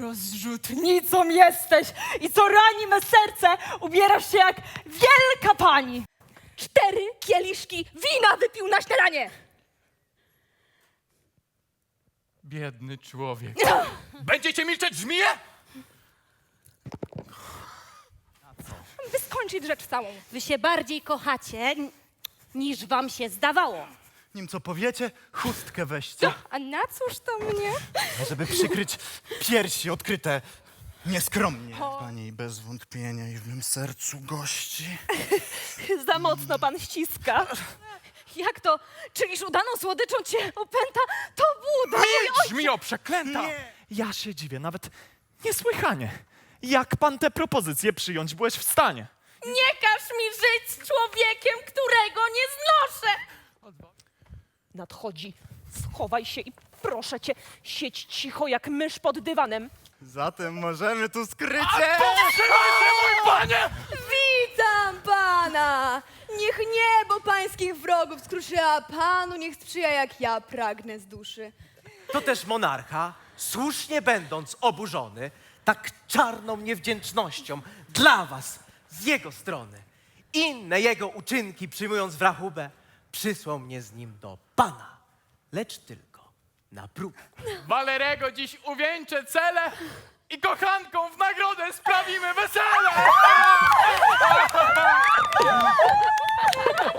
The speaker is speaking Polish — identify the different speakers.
Speaker 1: Rozrzutnicą jesteś i co rani me serce, ubierasz się jak wielka pani.
Speaker 2: 4 kieliszki wina wypił na śniadanie.
Speaker 3: Biedny człowiek. Będziecie milczeć, żmije?
Speaker 2: By skończyć rzecz całą.
Speaker 4: Wy się bardziej kochacie, niż wam się zdawało.
Speaker 5: Nim co powiecie, chustkę weźcie,
Speaker 2: A na cóż to mnie?
Speaker 5: żeby przykryć piersi odkryte nieskromnie. Pani bez wątpienia i w mym sercu gości.
Speaker 2: Za mocno pan ściska. Jak to? Czyliż udaną słodyczą cię opęta? To Buda!
Speaker 3: Milcz, żmijo przeklęta!
Speaker 6: Ja się dziwię, nawet niesłychanie. Jak pan te propozycje przyjąć byłeś w stanie?
Speaker 2: Nie każ mi żyć z człowiekiem, którego nie znoszę!
Speaker 1: Nadchodzi. Schowaj się i proszę cię, siedź cicho jak mysz pod dywanem.
Speaker 5: Zatem możemy tu skrycie.
Speaker 3: Mój panie!
Speaker 7: Witam pana! Niech niebo pańskich wrogów skruszy, a panu niech sprzyja, jak ja pragnę z duszy.
Speaker 8: To też monarcha, słusznie będąc oburzony tak czarną niewdzięcznością dla was z jego strony, inne jego uczynki przyjmując w rachubę, przysłał mnie z nim do pana, lecz tylko na próbę.
Speaker 3: Walerego dziś uwieńczę cele i kochanką w nagrodę sprawimy wesele!